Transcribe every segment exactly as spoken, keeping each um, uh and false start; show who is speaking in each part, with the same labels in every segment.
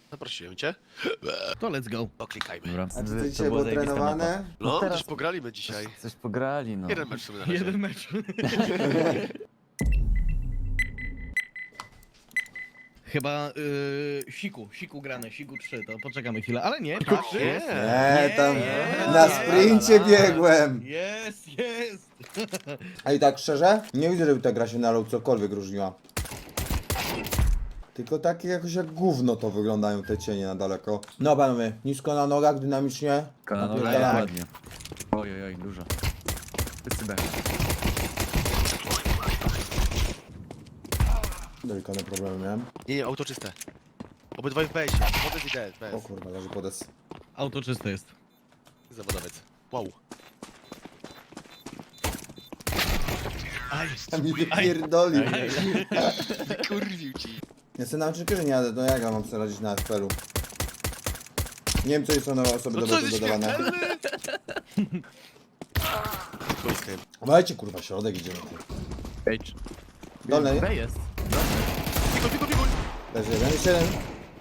Speaker 1: Zaprosiłem cię.
Speaker 2: To let's go.
Speaker 1: Poklikajmy.
Speaker 3: Dobra.
Speaker 4: A czy
Speaker 3: To
Speaker 4: ty dzisiaj
Speaker 3: była
Speaker 4: było
Speaker 3: zajebista mapa.
Speaker 4: trenowane?
Speaker 1: No,
Speaker 3: teraz-
Speaker 1: też pograliśmy dzisiaj.
Speaker 3: Coś, coś pograli, no.
Speaker 1: Jeden mecz sobie na razie.
Speaker 2: Jeden mecz. Chyba y, siku, siku grane, siku trzy, to poczekamy chwilę, ale nie, tak,
Speaker 1: Nie.
Speaker 2: jest.
Speaker 4: Nie, tam
Speaker 2: nie,
Speaker 4: na
Speaker 2: nie,
Speaker 4: sprincie
Speaker 2: la, la.
Speaker 4: biegłem.
Speaker 2: Jest, jest.
Speaker 4: A i tak szczerze, nie widzę, żeby ta gra się na low cokolwiek różniła. Tylko takie jakoś jak gówno to wyglądają te cienie na daleko. No panowie, nisko na nogach, dynamicznie.
Speaker 3: Kananowe,
Speaker 4: Napierdalamy.
Speaker 3: ładnie. Oj, oj, oj, dużo. Wszyscy B.
Speaker 4: Delikatne problemy miałem.
Speaker 1: Nie, nie, auto czyste. Obydwaj w besie. Podes i D,
Speaker 4: O
Speaker 1: bez.
Speaker 4: kurwa, leży podes.
Speaker 2: Auto czyste jest.
Speaker 1: Zawodowiec. Wow. Aj,
Speaker 4: A mi wypierdolił.
Speaker 1: kurwił ci.
Speaker 4: Ja sobie na czekierze nie jadę, to jak ja mam sobie radzić na F P L-u? Nie wiem, co jest nowe osoby
Speaker 1: No
Speaker 4: do
Speaker 1: co
Speaker 4: botu
Speaker 1: jest
Speaker 4: dodawane.
Speaker 1: śmiertelny? Polskie.
Speaker 4: Dajcie kurwa, środek idziemy. ty.
Speaker 3: Ej,
Speaker 4: Dolny,
Speaker 3: B jest.
Speaker 1: Pikuj, pikuj, pikuj.
Speaker 4: leży jeden, jeszcze jeden.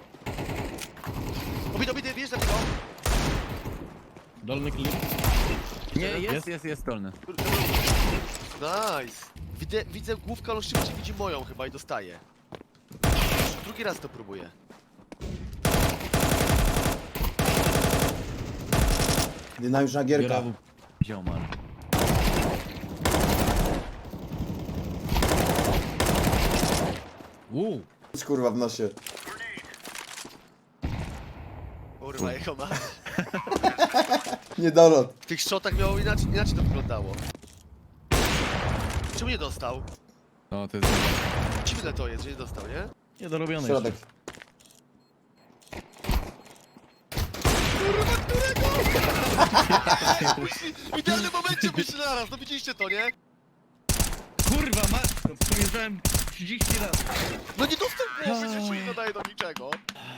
Speaker 1: Obity, obity, bierz na tego.
Speaker 2: Dolny klip.
Speaker 3: Nie, jest, jest, jest dolny.
Speaker 1: Nice. Widzę, widzę główkę, ale szybciej widzi moją chyba i dostaje. Drugi raz to próbuję.
Speaker 4: Dynamiczna gierka.
Speaker 2: Biorę
Speaker 3: Wziął man.
Speaker 2: Uuu.
Speaker 4: Kurwa w nosie.
Speaker 1: Kurwa, jego ma.
Speaker 4: Niedolot.
Speaker 1: W tych shotach miało inaczej, inaczej to wyglądało. Czemu nie dostał?
Speaker 3: No, to jest...
Speaker 1: Dziwne to jest, że nie dostał, nie?
Speaker 2: Niedorobiony
Speaker 4: Środek.
Speaker 1: W idealnym momencie myślę naraz, no widzieliście to, nie?
Speaker 2: jeszcze. Kurwa, matko, przymierzałem trzydzieści razy.
Speaker 1: No nie dostał głowy, że się nie nadaje do niczego.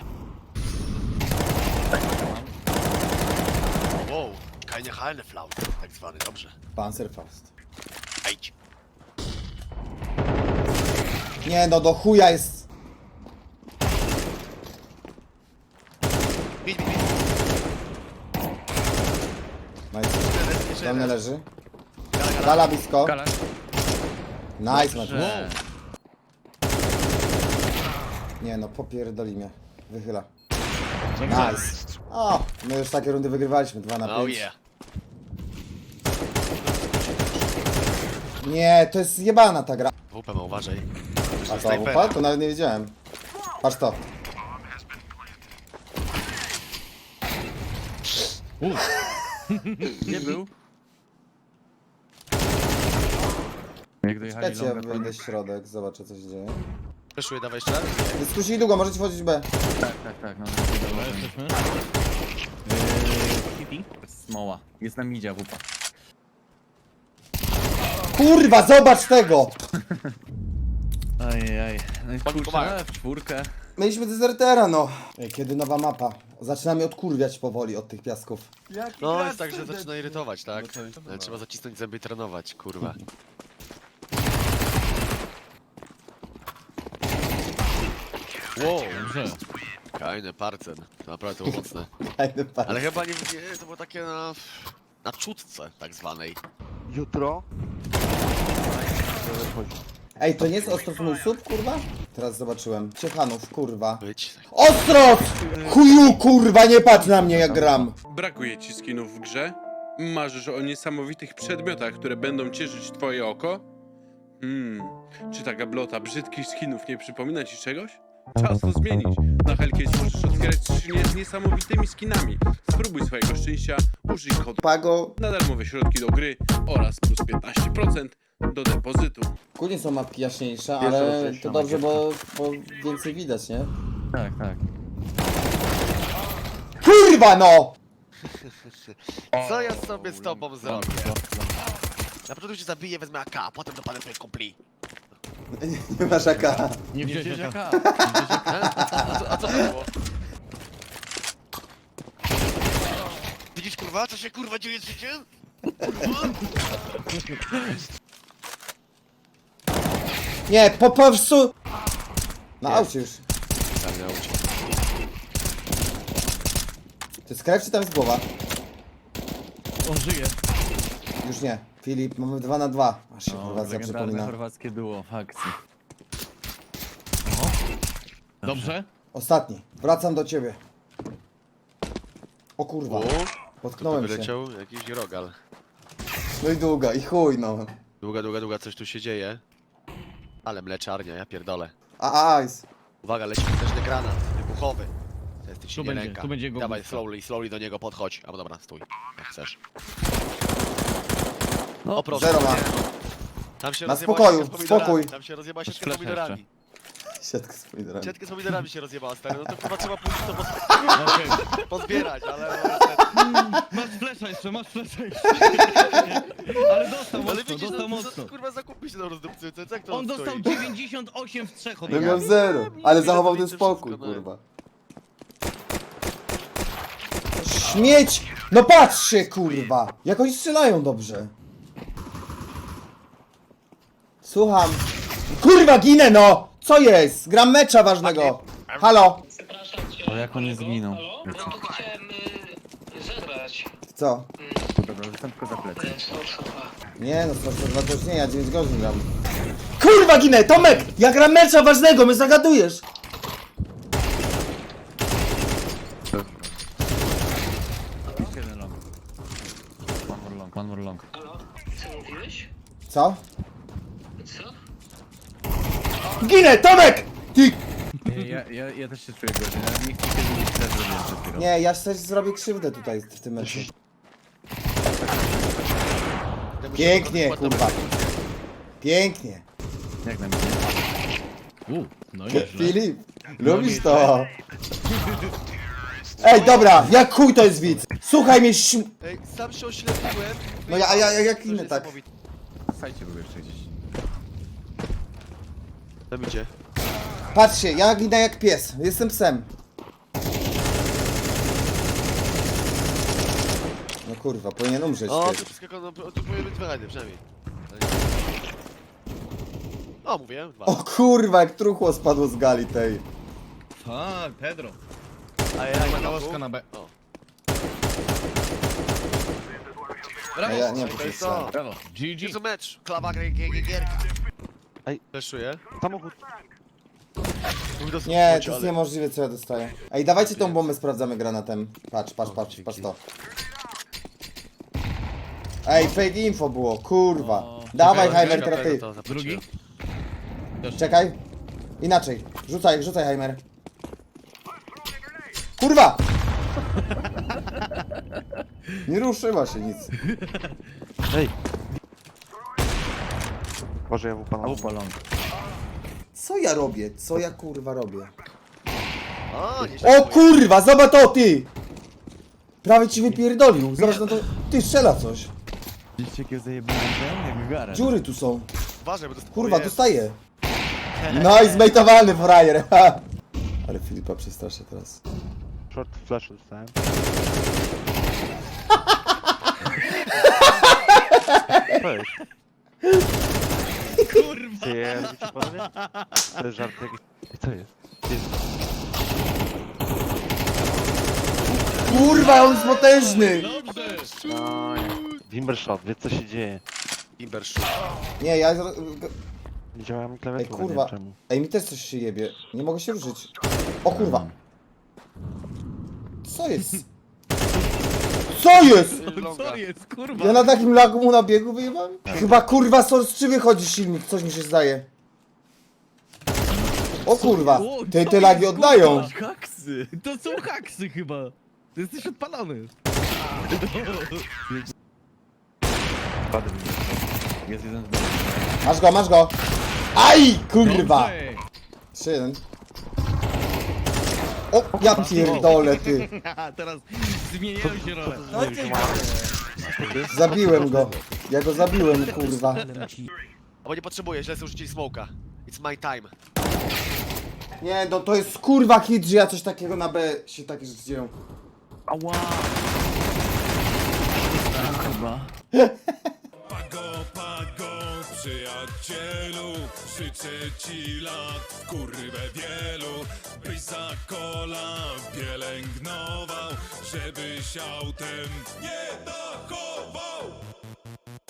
Speaker 1: Wow, keine Halneflaut, tak zwany, dobrze.
Speaker 4: Panzerfaust.
Speaker 1: Ejdź.
Speaker 4: Nie no, do chuja jest.
Speaker 1: Bit, bit, bit.
Speaker 4: Nice.
Speaker 1: Jeszcze
Speaker 4: Dolny
Speaker 1: jeden.
Speaker 4: leży.
Speaker 1: Gala, gala.
Speaker 4: Dala blisko.
Speaker 3: Kala.
Speaker 4: Nice, Maciej.
Speaker 3: Że...
Speaker 4: Nie no, popierdoli mnie. Wychyla.
Speaker 2: Dobrze.
Speaker 4: Nice. O, my już takie rundy wygrywaliśmy, dwa na
Speaker 1: Oh
Speaker 4: pięć.
Speaker 1: yeah.
Speaker 4: Nie, to jest jebana ta gra.
Speaker 1: W P ma uważaj.
Speaker 4: A to
Speaker 1: Snajpera.
Speaker 4: upadł? To nawet nie wiedziałem. Patrz to.
Speaker 2: Uuu.
Speaker 3: Nie był. Jak dojechali
Speaker 4: Czekajcie, ja
Speaker 3: longa, to...
Speaker 4: wyjdę w środek, zobaczę co się dzieje.
Speaker 1: Przeszuję, dawaj jeszcze raz.
Speaker 4: Dyskusji długo, możecie wchodzić B.
Speaker 3: Tak, tak, tak, no.
Speaker 2: Dobra, jesteśmy. Yy, City.
Speaker 3: Smoła. Jest na midzie, wupa.
Speaker 4: Kurwa, zobacz tego!
Speaker 3: Ajajaj. No i
Speaker 1: Pomagam.
Speaker 3: kurczę, w czwórkę.
Speaker 4: Mieliśmy dezertera, no. Ej, kiedy nowa mapa? Zaczynamy odkurwiać powoli od tych piasków.
Speaker 1: No jest tak, że zaczyna irytować, tak? Ale trzeba zacisnąć zęby i trenować, kurwa. Wow,
Speaker 2: Dobrze.
Speaker 1: fajny parcen. To naprawdę było mocne.
Speaker 4: Fajny pan.
Speaker 1: Ale chyba nie, nie to było takie na... na czutce tak zwanej.
Speaker 5: Jutro
Speaker 4: Ej, to nie jest Ostrów mój sub, kurwa? Teraz zobaczyłem. Ciechanów, kurwa.
Speaker 1: Być.
Speaker 4: Ostros! Chuju, kurwa, nie patrz na mnie jak gram.
Speaker 6: Brakuje ci skinów w grze? Marzysz o niesamowitych przedmiotach, które będą cieszyć twoje oko? Hmm, czy ta gablota brzydkich skinów nie przypomina ci czegoś? Czas to zmienić. Na Hellcase możesz otwierać skrzynię z niesamowitymi skinami. Spróbuj swojego szczęścia, użyj kodu
Speaker 4: Pago.
Speaker 6: na darmowe środki do gry oraz plus piętnaście procent do depozytu.
Speaker 4: Kurde są mapki jaśniejsze,
Speaker 3: Pierwsza
Speaker 4: ale
Speaker 3: część
Speaker 4: to
Speaker 3: na
Speaker 4: dobrze,
Speaker 3: magię.
Speaker 4: bo, bo więcej widać, nie?
Speaker 3: Tak, tak.
Speaker 4: Kurwa, no!
Speaker 1: Co ja sobie z tobą zrobię? Na początku cię zabiję, wezmę A K, a potem dopadnę twoje kumpli.
Speaker 4: Nie masz A K.
Speaker 2: Nie
Speaker 3: Nie
Speaker 2: wziąłeś
Speaker 3: wziąłeś
Speaker 2: jaka.
Speaker 3: jaka.
Speaker 1: A co, a co to było? Widzisz kurwa, co się kurwa dzieje z życiem? Kurwa?
Speaker 4: Nie, po prostu... Na aucie już.
Speaker 1: Tak, na ucie.
Speaker 4: To jest krew czy tam jest głowa?
Speaker 2: On żyje.
Speaker 4: Już nie. Filip, mamy dwa na dwa. Aż się
Speaker 3: No,
Speaker 4: Chorwacja
Speaker 3: legendarne
Speaker 4: przypomina.
Speaker 3: chorwackie duo w akcji.
Speaker 2: Dobrze?
Speaker 4: Ostatni. Wracam do ciebie. O kurwa.
Speaker 1: U,
Speaker 4: Potknąłem się.
Speaker 1: wyleciał jakiś rogal.
Speaker 4: No i długa, i chuj no.
Speaker 1: Długa, długa, długa, coś tu się dzieje. Ale mleczarnia, ja pierdolę.
Speaker 4: A, ice.
Speaker 1: Uwaga, leci potężny granat wybuchowy. To jest
Speaker 2: Tu
Speaker 1: ci nie
Speaker 2: będzie,
Speaker 1: ręka.
Speaker 2: tu będzie jego
Speaker 1: Dawaj,
Speaker 2: główka.
Speaker 1: slowly, slowly do niego podchodź. Albo dobra, stój, jak chcesz.
Speaker 3: No,
Speaker 1: O proszę.
Speaker 4: Zero ma.
Speaker 1: Tam się
Speaker 4: Na
Speaker 1: rozjebała
Speaker 4: spokoju,
Speaker 1: siatka z pomidorami.
Speaker 4: spokój.
Speaker 1: Tam się rozjebała siatka z
Speaker 3: flash
Speaker 1: pomidorami.
Speaker 4: Siatkę z pomidorami.
Speaker 1: Siatkę z pomidorami się rozjebała, stary. No to chyba trzeba pójść to poz...
Speaker 2: Okej.
Speaker 1: pozbierać, ale...
Speaker 2: Masz flesza jeszcze, masz flesza jeszcze. Ale dostał
Speaker 1: Ale
Speaker 2: mocno,
Speaker 1: widzisz,
Speaker 2: dostał
Speaker 1: no,
Speaker 2: mocno.
Speaker 1: to, kurwa zakupi się na rozdupcyce, jak to
Speaker 2: On dostał
Speaker 1: stoi?
Speaker 2: dziewięćdziesiąt osiem w trzech od
Speaker 4: No
Speaker 2: niego.
Speaker 4: miał zero,
Speaker 1: nie,
Speaker 4: ale
Speaker 1: nie,
Speaker 4: zachował
Speaker 1: nie,
Speaker 4: ten
Speaker 1: to
Speaker 4: spokój,
Speaker 1: wszystko, no.
Speaker 4: kurwa. Śmieć! No patrzcie, kurwa! Jak oni strzelają dobrze. Słucham. Kurwa, ginę, no! Co jest? Gram mecza ważnego. Halo?
Speaker 5: Przepraszam cię.
Speaker 3: O, jak on nie zginął.
Speaker 5: Halo? No to chciałem y, zebrać.
Speaker 4: Co?
Speaker 3: Dobra, rzucam tylko za plecy.
Speaker 5: Ten Sorsowa.
Speaker 4: Nie no, sto dwa to już nie, ja dziewięć godzin gram. Kurwa, ginę! Tomek! Ja gram mecza ważnego, my zagadujesz!
Speaker 3: Jeszcze jeden long. One more long, one more long.
Speaker 5: Halo? Co mówiłeś?
Speaker 4: Co?
Speaker 5: Co?
Speaker 4: Ginę! Tomek! Ty!
Speaker 3: Nie, ja, ja, ja też się czuję gorzej, ale nie chcę się zmienić, też zrobiłem przed chwilą.
Speaker 4: Nie, ja coś zrobię krzywdę tutaj w tym meczu.
Speaker 1: Ja muszę
Speaker 4: Pięknie,
Speaker 1: ładną-
Speaker 4: kurwa. Pięknie.
Speaker 3: Jak na mnie?
Speaker 2: U, no nieźle.
Speaker 4: Filip, lubisz to? Ej, dobra, jak chuj to jest widz? Słuchaj mnie, śm...
Speaker 1: Ej, sam się oślepiłem.
Speaker 4: No ja, a ja, ja jak
Speaker 1: To
Speaker 4: inny
Speaker 1: jest
Speaker 4: tak.
Speaker 1: niesamowite.
Speaker 3: Sajcie był jeszcze gdzieś.
Speaker 1: Tam idzie.
Speaker 4: Patrzcie, ja ginę jak pies, jestem psem. No kurwa, powinien umrzeć
Speaker 1: O,
Speaker 4: ty.
Speaker 1: tu wszystko, no, tu powinien być wyraźny, przynajmniej. O, mówiłem, dwa.
Speaker 4: O kurwa, jak truchło spadło z gali tej.
Speaker 2: Tak, Pedro.
Speaker 1: A ja, ja,
Speaker 2: Kałaska na B.
Speaker 1: O,
Speaker 4: A
Speaker 2: Brawo.
Speaker 4: ja nie
Speaker 1: to
Speaker 4: wiem,
Speaker 1: jest
Speaker 4: co.
Speaker 1: to.
Speaker 2: Brawo. G G.
Speaker 1: Jest to mecz. Klawa, g- g- g- gierka.
Speaker 7: Ej.
Speaker 1: Fleszuję.
Speaker 7: Samochód.
Speaker 4: Nie, to jest niemożliwe co ja dostaję. Ej, dawajcie tą bombę, sprawdzamy granatem. Patrz, patrz, patrz, patrz to. Ej, fake info było, kurwa.
Speaker 2: O,
Speaker 4: Dawaj,
Speaker 2: czekaj,
Speaker 4: Heimer,
Speaker 2: czekaj,
Speaker 4: teraz ty.
Speaker 1: To
Speaker 2: Drugi?
Speaker 1: zapłaciłem.
Speaker 2: Też.
Speaker 4: Czekaj. Inaczej. Rzucaj, rzucaj, Heimer. Kurwa! Nie ruszyła się nic.
Speaker 7: Ej. Boże, ja mu pana.
Speaker 3: Upa long.
Speaker 4: Co ja robię? Co ja kurwa robię?
Speaker 1: O, nie
Speaker 4: O kurwa, zobacz to ty! Prawie ci wypierdolił. Zobacz, no to... Ty, strzela coś.
Speaker 3: Widzicie jakie zajebane ten? Jak gara.
Speaker 4: Dziury tu są.
Speaker 1: Uważaj, bo to
Speaker 4: Kurwa,
Speaker 1: o, jest.
Speaker 4: dostaje. No i zmejtowany frajer. ha. Ale Filipa przestraszę teraz.
Speaker 7: Short flash dostałem. Co jest?
Speaker 2: Kurwa.
Speaker 7: Ty, ja robicie panowie? To jest żart jakiś. Ej, co jest? Jest.
Speaker 4: Kurwa, on jest potężny!
Speaker 2: Dobrze.
Speaker 7: No, nie. Wimbershot, wie co się dzieje.
Speaker 1: Timber shoot.
Speaker 4: Nie, ja...
Speaker 7: Nie działa mi
Speaker 4: Ej,
Speaker 7: klawiatura,
Speaker 4: kurwa.
Speaker 7: nie wiem czemu.
Speaker 4: Ej, mi też coś się jebie. Nie mogę się ruszyć. O kurwa. Co jest? Co jest?
Speaker 2: Co jest, kurwa?
Speaker 4: Ja na takim lagu mu na biegu wyjebałem? Chyba kurwa Source trzy wychodzi silnik, coś mi się zdaje. O kurwa,
Speaker 2: O,
Speaker 4: te,
Speaker 2: co
Speaker 4: te lagi
Speaker 2: jest,
Speaker 4: oddają.
Speaker 2: kurwa?
Speaker 3: Haksy!
Speaker 2: To są haksy chyba. Ty jesteś odpalony.
Speaker 7: Padł mi.
Speaker 3: Jest jeden z B.
Speaker 4: Masz go, masz go. Aj, kurwa.
Speaker 2: Dobrze.
Speaker 4: trzy jeden. O, ja pierdolę ty.
Speaker 2: Haha, teraz zmieniają się role.
Speaker 4: Zabiłem go. Ja go zabiłem, kurwa.
Speaker 1: Albo nie potrzebuję, źle sobie rzucili smoka. It's my time.
Speaker 4: Nie, no to jest kurwa hit, że ja coś takiego na B się takie rzeczy dzieją.
Speaker 3: Ała! Chyba.
Speaker 8: Pago, pago, przyjacielu, życzę ci lat w kurwę wielu, byś za kola pielęgnował, żebyś autem nie dochodził.